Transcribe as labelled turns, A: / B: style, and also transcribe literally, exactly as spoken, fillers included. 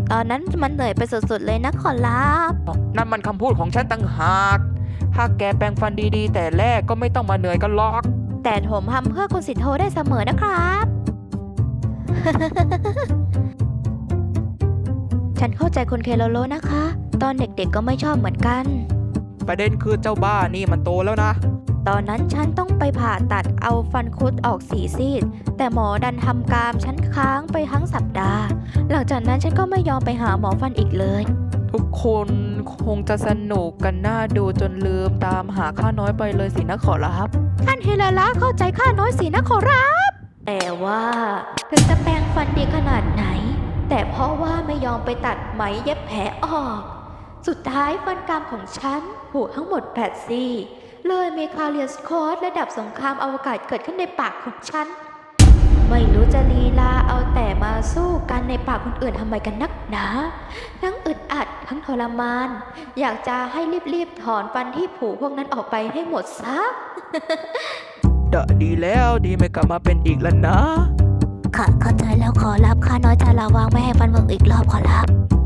A: ตอนนั้นมันเหนื่อยไปสุดๆเลยนะขอรับ
B: นั่นมันคำพูดของฉันต่างหากถ้าแกแปรงฟันดีๆแต่แรกก็ไม่ต้องมาเหนื่อยกันหรอก
A: แต่ผมทำเพื่อคุณสิทโธได้เสมอนะครับ ฉันเข้าใจคุณเคโลโลนะคะ ตอนเด็กๆก็ไม่ชอบเหมือนกัน
B: ประเด็นคือเจ้าบ้านี่มันโตแล้วนะ
A: ตอนนั้นฉันต้องไปผ่าตัดเอาฟันคุดออกสีซีด แต่หมอดันทำกรามฉันค้างไปทั้งสัปดาห์ หลังจากนั้นฉันก็ไม่ยอมไปหาหมอฟันอีกเลย
B: ทุกคนคงจะสนุกกันน่าดูจนลืมตามหาข้าน้อยไปเลยสินะขอรับ
A: ท่านเฮลาละเข้าใจข้าน้อยสินะขอรับ แต่ว่าถึงจะแปรงฟันดีขนาดไหน แต่เพราะว่าไม่ยอมไปตัดไหมเย็บแผลออก สุดท้ายฟันกรามของฉันหูทั้งหมดแปดซี่เลยมีคาเรียสคอร์สระดับสงครามอวกาศเกิดขึ้นในปากของฉัน ไม่รู้จะลีลาเอาแต่มาสู้กันในปากคนอื่นทำไมกันนักหนา ทั้งอึดอัดทั้งทรมาน อยากจะให้รีบๆถอนฟันที่ผุพวกนั้นออกไปให้หมดซะ
B: เดะดีแล้วดีไม่กลับมาเป็นอีกแล้วนะ
A: ค่ะเข้าใจแล้วขอรับข้าน้อยจะระวังไม่ให้ฟันเบิกอีกรอบขอรับ